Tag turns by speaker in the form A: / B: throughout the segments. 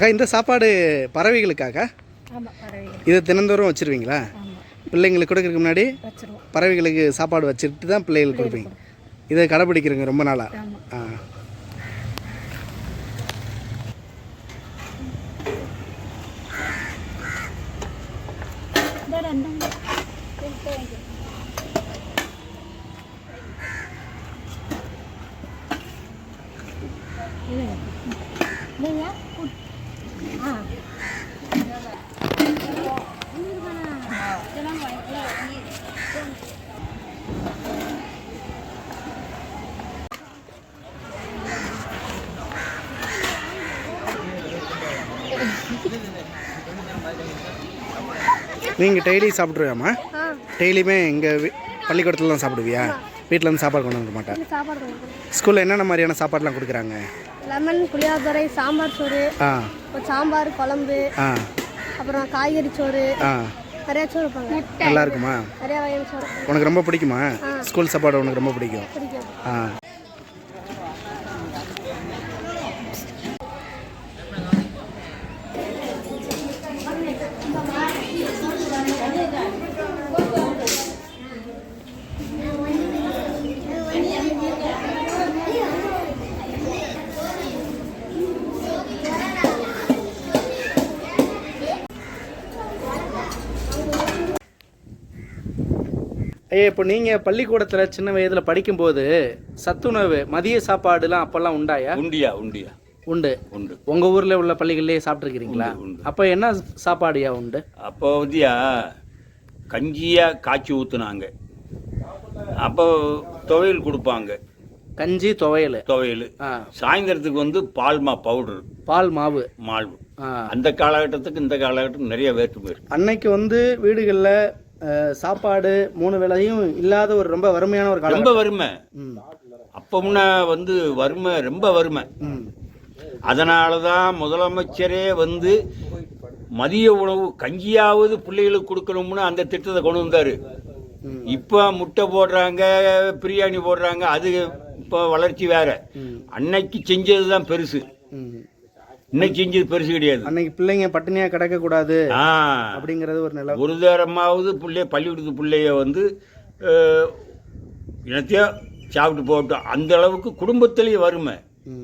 A: அக்கா இந்த சாப்பாடு பறவைகளுக்காக இது தினந்தோறும் வச்சுருவீங்களா? பிள்ளைங்களுக்கு கொடுக்கறதுக்கு முன்னாடி பறவைகளுக்கு சாப்பாடு வச்சுட்டு தான் பிள்ளைகளுக்கு கொடுப்பீங்க. இதை கடைப்பிடிக்கிறீங்க ரொம்ப நாளாக? ஆ. நீங்கள் டெய்லி சாப்பிட்ருவியாம்மா? டெய்லியுமே எங்கள் பள்ளிக்கூடத்தில் தான் சாப்பிடுவியா? வீட்டில் வந்து சாப்பாடு கொண்டு வர மாட்டேன். ஸ்கூலில் என்னென்ன மாதிரியான சாப்பாடுலாம் கொடுக்குறாங்க?
B: லெமன், புளியோதரை, சாம்பார் சோறு, சாம்பார் குழம்பு, அப்புறம் காய்கறி சோறு, நிறைய சோறு வைப்பாங்க.
A: நல்லா இருக்குமா?
B: நிறைய வகையான சோறு.
A: உனக்கு ரொம்ப பிடிக்குமா ஸ்கூல் சாப்பாடு? உனக்கு ரொம்ப பிடிக்கும்? ஆ. ஐயா, இப்போ நீங்கள் பள்ளிக்கூடத்தில் சின்ன வயதில் படிக்கும்போது சத்துணவு மதிய சாப்பாடுலாம் அப்போல்லாம் உண்டாயா? உண்டு. உங்கள் ஊரில் உள்ள பள்ளிகள்லேயே சாப்பிட்ருக்கிறீங்களா? அப்போ என்ன சாப்பாடுயா உண்டு?
C: அப்போ வந்துயா கஞ்சியாக காய்ச்சி ஊற்றுனாங்க. அப்போ துவையல் கொடுப்பாங்க.
A: கஞ்சி துவையல்.
C: சாயந்தரத்துக்கு வந்து
A: பால் மாவு.
C: அந்த காலகட்டத்துக்கு இந்த காலகட்டத்துக்கு நிறைய வேற்றுமை இருக்கு.
A: அன்னைக்கு வந்து வீடுகளில் சாப்பாடு 3 வேளையும் இல்லாத ஒரு ரொம்ப வறுமையான ஒரு காலம்.
C: ரொம்ப வறுமை. அப்போ முன்ன வந்து வறுமை, ரொம்ப வறுமை. அதனால தான் முதலமைச்சரே வந்து மதிய உணவு கஞ்சியாவது பிள்ளைகளுக்கு கொடுக்கணும்னு அந்த திட்டத்தை கொண்டு வந்தார். இப்போ முட்டை போடுறாங்க, பிரியாணி போடுறாங்க. அது இப்போ வளர்ச்சி வேற. அன்னைக்கு செஞ்சது தான் பெருசு, இன்னைக்கு செஞ்சது பெருசு கிடையாது.
A: அன்னைக்கு பிள்ளைங்க பட்டினியா கிடக்க கூடாது அப்படிங்கிறது ஒரு நிலை.
C: ஒரு நேரமாவது பள்ளிக்கூடத்து பிள்ளைய வந்து இனத்தையோ சாப்பிட்டு போட்டோம். அந்த அளவுக்கு குடும்பத்திலேயே வறுமை.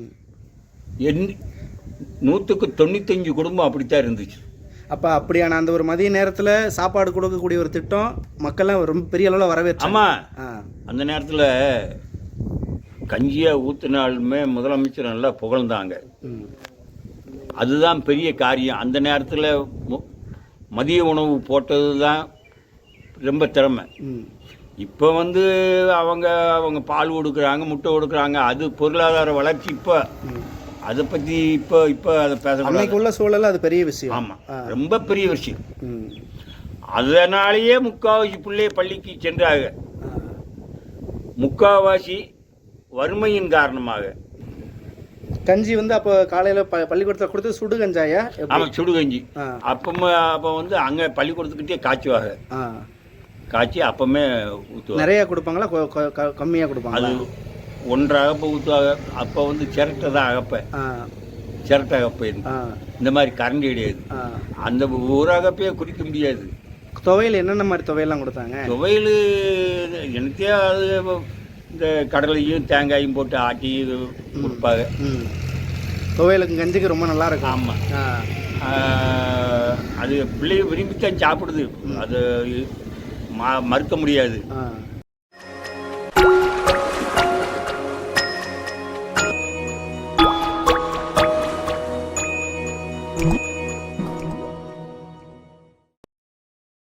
C: 100க்கு 95 குடும்பம் அப்படித்தான் இருந்துச்சு.
A: அப்போ அப்படியான அந்த ஒரு மதிய நேரத்தில் சாப்பாடு கொடுக்கக்கூடிய ஒரு திட்டம் மக்கள்லாம் ரொம்ப பெரிய அளவில் வரவேற்று.
C: ஆமாம், அந்த நேரத்தில் கஞ்சியாக ஊற்றினாலுமே முதலமைச்சர் நல்லா புகழ்ந்தாங்க. அதுதான் பெரிய காரியம். அந்த நேரத்தில் மதிய உணவு போட்டது தான் ரொம்ப திறமை. இப்போ வந்து அவங்க பால் கொடுக்குறாங்க, முட்டை கொடுக்குறாங்க. அது பொருளாதார வளர்ச்சி. இப்போ அதை பற்றி இப்போ அதை பேச
A: அன்னைக்குள்ள சூழல் அது பெரிய விஷயம்.
C: ஆமாம், ரொம்ப பெரிய விஷயம். அதனாலேயே முக்கால்வாசி பிள்ளைய பள்ளிக்கு சென்றாங்க. முக்கால்வாசி வறுமையின் காரணமாக.
A: கஞ்சி வந்து அப்போ காலையில் பள்ளிக்கூடத்தில் கொடுத்து சுடு கஞ்சாயா?
C: ஆமாம், சுடு கஞ்சி. அப்போ வந்து அங்கே பள்ளிக்கூடத்துக்கிட்டே காய்ச்சுவாங்க. காய்ச்சி அப்பமே ஊற்றுவாங்க.
A: நிறையா கொடுப்பாங்களா கம்மியாக கொடுப்பாங்க?
C: அது 1 அகப்பை ஊற்றுவாங்க. அப்போ வந்து சிரட்டை தான் அகப்பை. சிரட்டை அகப்பை. இந்த மாதிரி கரண்டி கிடையாது. அந்த ஒரு அகப்பையே குடிக்க முடியாது.
A: துவையல் என்னென்ன மாதிரி துவையெல்லாம் கொடுத்தாங்க?
C: துவையல் எனக்கே அது இந்த கடலையும் தேங்காயும் போட்டு ஆட்டி கொடுப்பாங்க.
A: துவையலுக்கு கஞ்சிக்கு ரொம்ப நல்லா இருக்கும்.
C: ஆமாம், அது பிள்ளைய விரும்பித்தான் சாப்பிடுது. அது மறுக்க முடியாது.